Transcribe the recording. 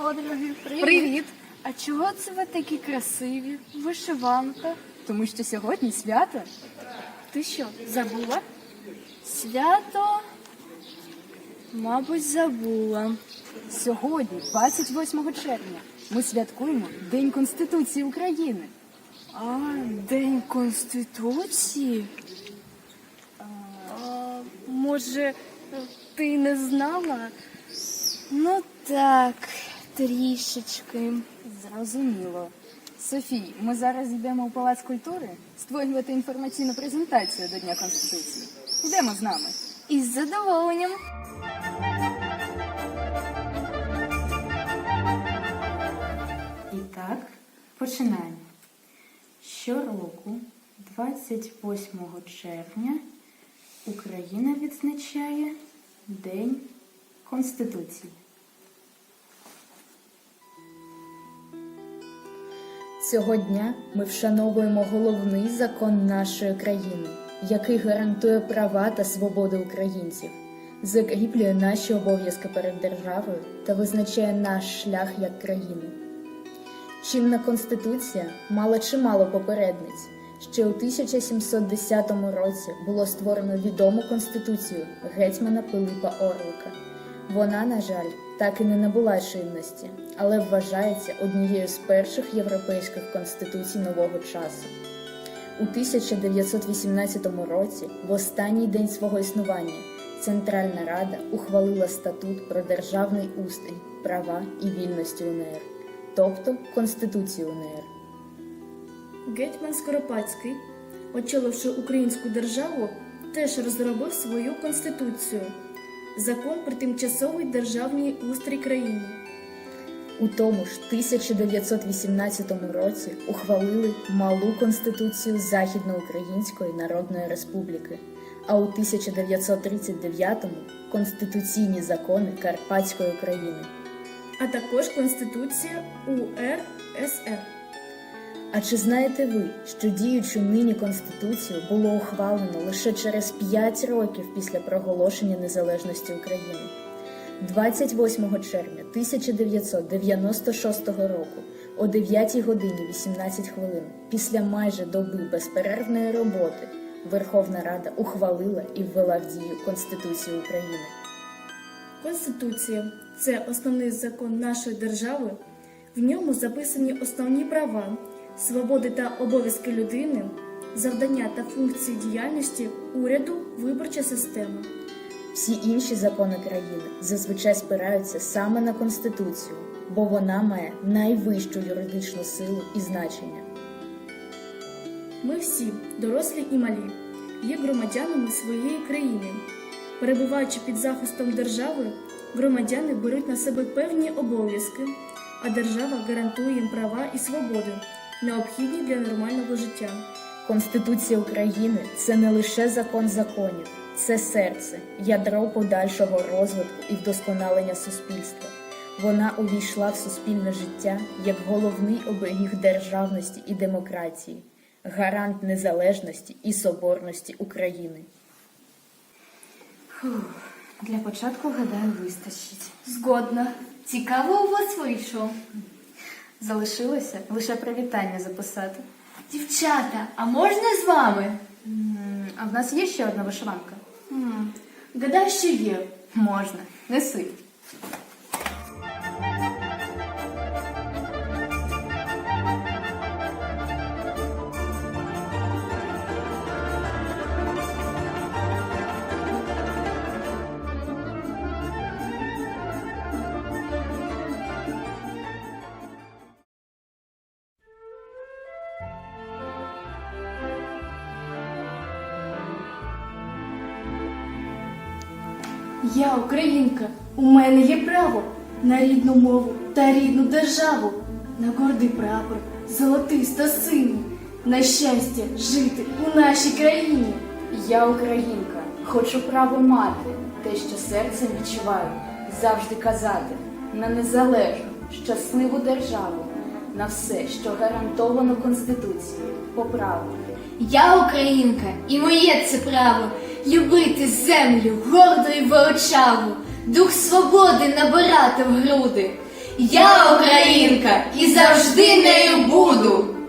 подруги, привіт! Привіт! А чого це ви такі красиві? Вишиванка? Тому що сьогодні свято. Ти що, забула? Свято? Мабуть, забула. Сьогодні, 28 червня, ми святкуємо День Конституції України. А, День Конституції? Може, ти не знала? Ну так, трішечки. Зрозуміло. Софій, ми зараз йдемо у Палац культури створювати інформаційну презентацію до Дня Конституції. Йдемо з нами. Із задоволенням. І так, починаємо. Щороку, 28 червня, Україна відзначає День Конституції. Цього дня ми вшановуємо головний закон нашої країни, який гарантує права та свободи українців, закріплює наші обов'язки перед державою та визначає наш шлях як країни. Чинна Конституція мала чимало попередниць. Ще у 1710 році було створено відому Конституцію гетьмана Пилипа Орлика. Вона, на жаль, так і не набула чинності, але вважається однією з перших європейських конституцій нового часу. У 1918 році, в останній день свого існування, Центральна Рада ухвалила статут про державний устрій, права і вільності УНР, тобто Конституцію УНР. Гетьман Скоропадський, очоливши українську державу, теж розробив свою конституцію – закон про тимчасовий державний устрій країни. У тому ж 1918 році ухвалили малу Конституцію Західноукраїнської Народної Республіки, а у 1939-му – конституційні закони Карпатської України. А також Конституція УРСР. А чи знаєте ви, що діючу нині Конституцію було ухвалено лише через 5 років після проголошення незалежності України? 28 червня 1996 року о 9 годині 18 хвилин після майже доби безперервної роботи Верховна Рада ухвалила і ввела в дію Конституцію України. Конституція – це основний закон нашої держави. В ньому записані основні права, свободи та обов'язки людини, завдання та функції діяльності уряду, виборча система. Всі інші закони країни зазвичай спираються саме на Конституцію, бо вона має найвищу юридичну силу і значення. Ми всі, дорослі і малі, є громадянами своєї країни. Перебуваючи під захистом держави, громадяни беруть на себе певні обов'язки, а держава гарантує їм права і свободи, необхідні для нормального життя. Конституція України – це не лише закон законів, це серце, ядро подальшого розвитку і вдосконалення суспільства. Вона увійшла в суспільне життя як головний оберіг державності і демократії, гарант незалежності і соборності України. Для початку, гадаю, вистачить. Згодна. Цікаво у вас вийшло. Залишилося лише привітання записати. Дівчата, а можна з вами? А в нас є ще одна вишиванка? Гадаю, що є. Можна. Неси. Я українка, у мене є право на рідну мову та рідну державу, на гордий прапор, золотиста синю, на щастя жити у нашій країні. Я українка, хочу право мати, те, що серцем відчуваю, завжди казати, на незалежну, щасливу державу, на все, що гарантовано Конституцією, по праву. Я українка, і моє це право любити землю гордо і величаву, дух свободи набирати в груди. Я українка і завжди нею буду.